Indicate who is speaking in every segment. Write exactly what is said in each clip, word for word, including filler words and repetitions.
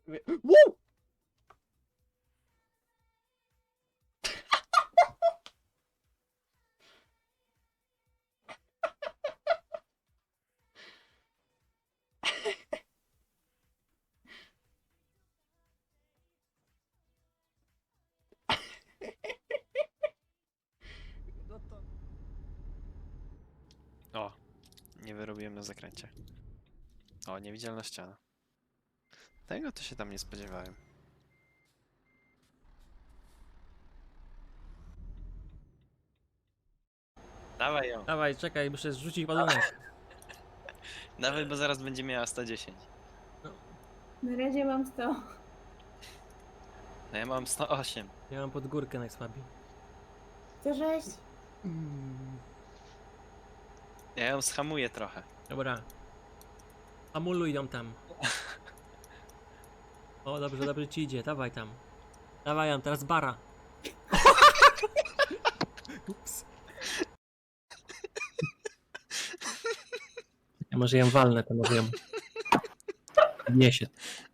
Speaker 1: Woo! No to...
Speaker 2: O, nie wyrobiłem na zakręcie. O, niewidzialna ściana. Tego to się tam nie spodziewałem. Dawaj ją.
Speaker 1: Dawaj, czekaj, muszę zrzucić ładunek.
Speaker 2: Dawaj, bo zaraz będzie miała sto dziesięć.
Speaker 3: Na razie mam sto.
Speaker 2: No ja mam sto osiem.
Speaker 1: Ja mam pod górkę najsłabiej.
Speaker 3: sto sześć.
Speaker 1: Mm.
Speaker 2: Ja ją schamuję trochę.
Speaker 1: Dobra. Hamuluj ją tam. O, dobrze, dobrze ci idzie, dawaj tam. Dawaj ją, teraz bara. Ups. Ja może ją walnę, to może ją... Niesie.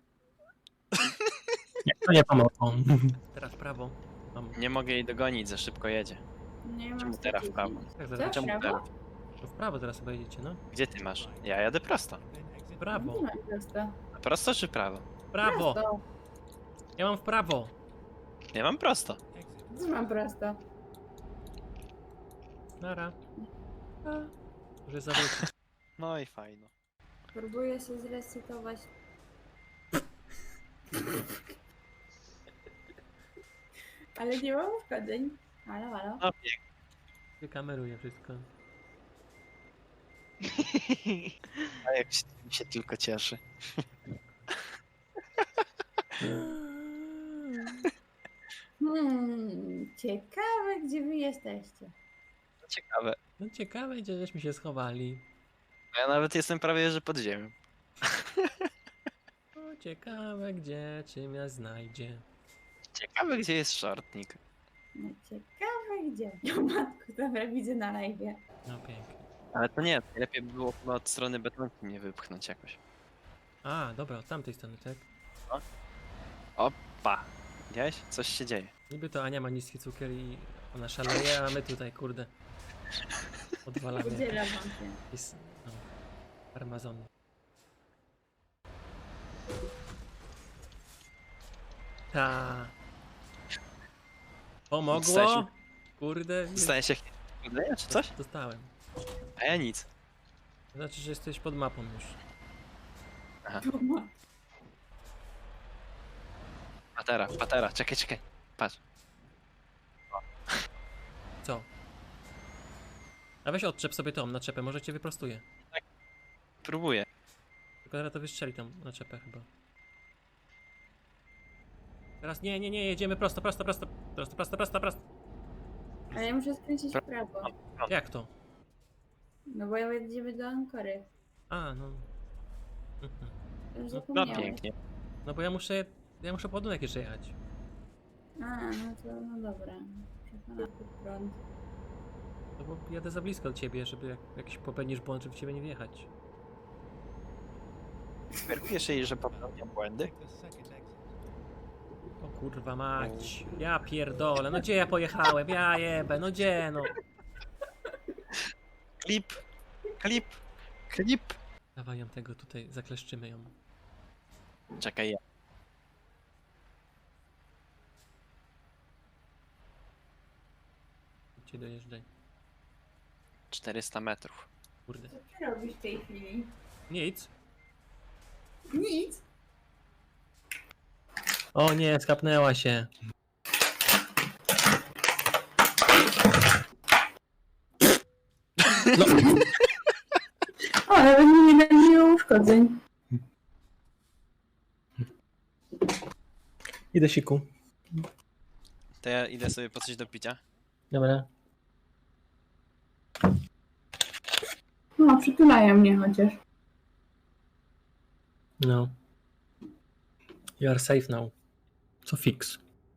Speaker 1: Nie, to nie pomogło. Teraz prawo. Mam.
Speaker 2: Nie mogę jej dogonić, za szybko jedzie.
Speaker 3: Nie mam
Speaker 2: Czemu
Speaker 3: sto
Speaker 2: teraz w
Speaker 3: dziesięć.
Speaker 2: prawo?
Speaker 1: Tak,
Speaker 3: Co?
Speaker 1: zaraz.
Speaker 2: Czemu
Speaker 3: Prawo?
Speaker 2: teraz?
Speaker 1: To w prawo teraz chyba jedziecie, no.
Speaker 2: Gdzie ty masz? Ja jadę prosto.
Speaker 1: W prawo.
Speaker 3: Nie mam prosto.
Speaker 2: A prosto czy prawo?
Speaker 1: W prawo.
Speaker 3: Prosto.
Speaker 1: Ja mam w prawo.
Speaker 2: Ja mam prosto.
Speaker 3: Co mam prosto?
Speaker 1: Nara. A. Może zawrócić.
Speaker 2: No i fajno.
Speaker 3: Próbuję się zresetować. Ale nie mam uszkodzeń. Halo, halo.
Speaker 2: No pięknie.
Speaker 1: Wykameruję wszystko.
Speaker 2: A jak się, się tylko cieszy.
Speaker 3: Hmm, ciekawe, gdzie wy jesteście.
Speaker 2: Ciekawe.
Speaker 1: No ciekawe, gdzie żeśmy się schowali.
Speaker 2: Ja nawet jestem prawie, że pod ziemią.
Speaker 1: O, ciekawe, gdzie, czy mnie znajdzie.
Speaker 2: Ciekawe, gdzie jest shortnik.
Speaker 3: No ciekawe, gdzie. O matku, dobra, widzę na live.
Speaker 1: No pięknie.
Speaker 2: Ale to nie, lepiej by było chyba od strony betonki mnie wypchnąć jakoś.
Speaker 1: A, dobra, od tamtej strony, tak?
Speaker 2: Pa! Widziałeś? Coś się dzieje.
Speaker 1: Niby to Ania ma niski cukier i ona szaleje, a my tutaj, kurde, odwalamy
Speaker 3: Udzielam wam się.
Speaker 1: jakieś, no, farmazony. Ta. Pomogło?
Speaker 2: Dostałeś-
Speaker 1: Kurde, nie-
Speaker 2: Staje się jakieś czy coś?
Speaker 1: dostałem.
Speaker 2: A ja nic.
Speaker 1: To znaczy, że jesteś pod mapą już.
Speaker 2: Patera, patera, czekaj, czekaj. Patrz.
Speaker 1: Co? A weź odczep sobie tą naczepę, może cię wyprostuje.
Speaker 2: Próbuję.
Speaker 1: Tylko teraz to wystrzeli tą naczepę chyba. Teraz nie, nie, nie, jedziemy prosto, prosto, prosto, prosto, prosto, prosto, prosto.
Speaker 3: Ale ja muszę skręcić w prawo.
Speaker 1: Jak to?
Speaker 3: No bo ja jedziemy do Ankory.
Speaker 1: A, no. Mhm.
Speaker 3: Już
Speaker 2: No
Speaker 3: zapomniałem.
Speaker 2: pięknie.
Speaker 1: No bo ja muszę, ja muszę po ładunek jeszcze jechać.
Speaker 3: A, no to no dobra. Przekonam pod prąd.
Speaker 1: No bo jadę za blisko do ciebie, żeby jak jakiś popełnisz błąd, żeby w ciebie nie wjechać.
Speaker 2: Sugerujesz jej, że popełniam błędy?
Speaker 1: O kurwa mać. Ja pierdolę, no gdzie ja pojechałem? Ja jebę, no gdzie no?
Speaker 2: Klip! Klip! Klip!
Speaker 1: Dawaj ją tego tutaj, zakleszczymy ją.
Speaker 2: Czekaj, ja.
Speaker 1: Cię dojeżdżaj.
Speaker 2: czterysta metrów.
Speaker 1: Kurde.
Speaker 3: Co ty robisz w tej chwili?
Speaker 1: Nic.
Speaker 3: Nic.
Speaker 1: O nie, skapnęła się. No.
Speaker 3: O, nawet mi nie miło uszkodzeń.
Speaker 1: Idę siku.
Speaker 2: To ja idę sobie po coś do picia.
Speaker 1: Dobra.
Speaker 3: No, przytulają mnie chociaż.
Speaker 1: No. You are safe now. Co fix?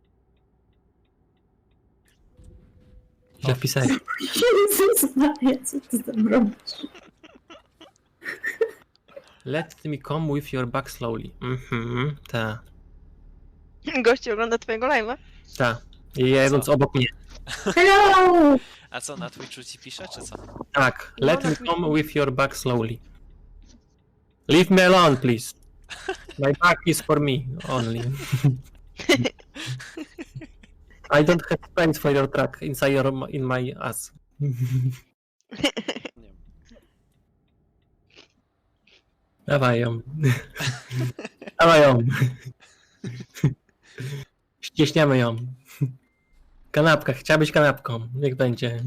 Speaker 1: Źle wpisałeś.
Speaker 3: Jezus Maria, co ty tam robisz?
Speaker 1: Let me come with your back slowly. Mhm, ta,
Speaker 4: Gościu ogląda twojego live'a.
Speaker 1: ta. I jedąc
Speaker 2: Co?
Speaker 1: obok mnie.
Speaker 3: Hello!
Speaker 2: A co, na Twitchu ci pisze, czy co?
Speaker 1: Tak,
Speaker 4: No,
Speaker 1: let
Speaker 4: na
Speaker 1: me
Speaker 4: Twitchu.
Speaker 1: come with your back slowly. Leave me alone, please. My back is for me only. I don't have space for your track inside your, in my ass.
Speaker 2: Nie wiem.
Speaker 1: Dawaj ją. Dawaj ją. Ścieśniamy ją. Kanapka, chciałabyś kanapką. Niech będzie.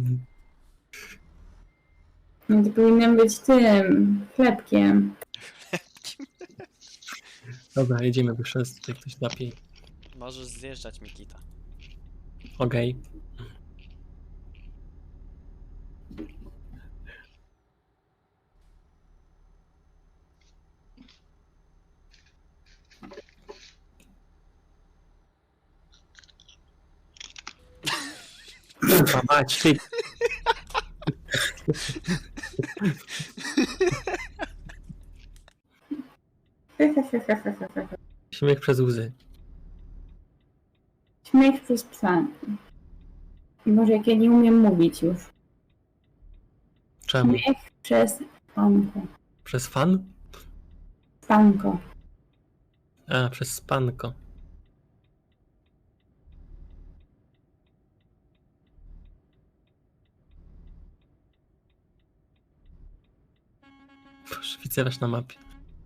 Speaker 3: No to powinienem być tym chlebkiem.
Speaker 1: Dobra, jedziemy, bo przez tutaj ktoś napij.
Speaker 2: Możesz zjeżdżać, Mikita.
Speaker 1: Okej. Kurwa mać, ty. Śmiech przez łzy.
Speaker 3: Śmiech przez psa. Może jak ja nie umiem mówić już.
Speaker 1: Czemu?
Speaker 3: Śmiech przez panko.
Speaker 1: Przez fan?
Speaker 3: Panko.
Speaker 1: A, przez spanko. Proszę, widzę was na mapie.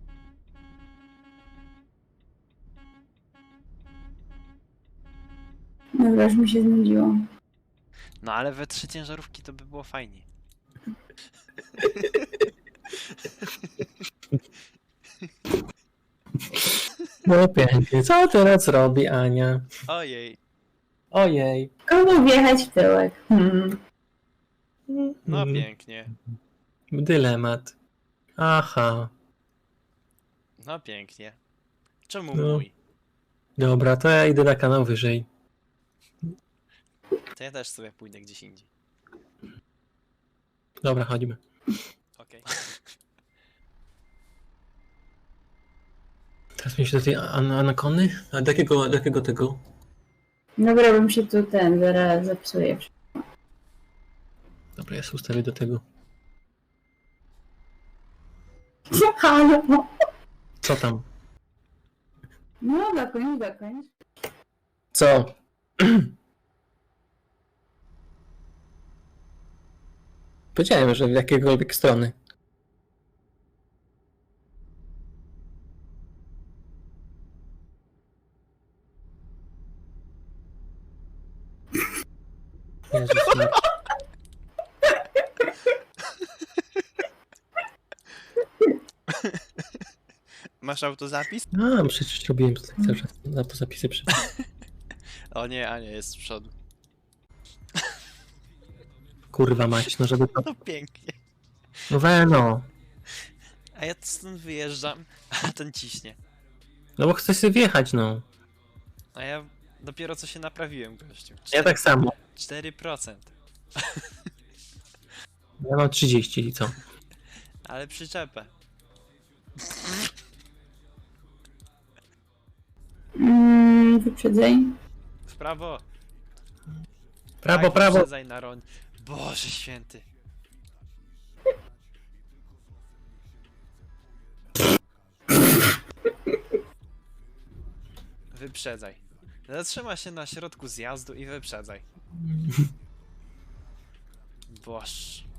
Speaker 3: Dobra, już mi się znudziło.
Speaker 2: No ale we trzy ciężarówki to by było fajnie.
Speaker 1: No pięknie. Co teraz robi Ania?
Speaker 2: Ojej.
Speaker 1: Ojej.
Speaker 3: Komu wjechać w tyłek? Hmm.
Speaker 2: No
Speaker 1: Mm,
Speaker 2: pięknie.
Speaker 1: Dylemat. Aha.
Speaker 2: No pięknie. Czemu
Speaker 1: No.
Speaker 2: mój?
Speaker 1: Dobra, to ja idę na kanał wyżej.
Speaker 2: To ja też sobie pójdę gdzieś indziej.
Speaker 1: Dobra, chodźmy.
Speaker 2: Okej.
Speaker 1: Teraz mi się do tej an anakony? A do jakiego, do jakiego tego?
Speaker 3: Dobra, bym się tu ten zaraz zepsuje.
Speaker 1: Dobra, ja sobie ustawię do tego.
Speaker 3: Halo!
Speaker 1: Co tam?
Speaker 3: No, dokończ, dokończ.
Speaker 1: Co? Powiedziałem, że w jakiejkolwiek strony. Jezus, Maria.
Speaker 2: Masz autozapis?
Speaker 1: A, przecież robiłem to tak cały czas na po zapisy przed.
Speaker 2: O nie, Ania jest z przodu.
Speaker 1: Kurwa mać, no żeby to...
Speaker 2: No pięknie.
Speaker 1: No we no.
Speaker 2: A ja stąd wyjeżdżam, a ten ciśnie.
Speaker 1: No bo chcę sobie wjechać, no.
Speaker 2: A ja dopiero co się naprawiłem, gościu.
Speaker 1: Ja tak samo.
Speaker 2: cztery procent.
Speaker 1: Ja mam trzydzieści i co?
Speaker 2: Ale przyczepę.
Speaker 3: Mm, wyprzedzaj.
Speaker 2: W prawo.
Speaker 1: Prawo,
Speaker 2: Tak,
Speaker 1: prawo.
Speaker 2: wyprzedzaj na roń. Boże święty. Wyprzedzaj. Zatrzyma się na środku zjazdu i wyprzedzaj. Boż.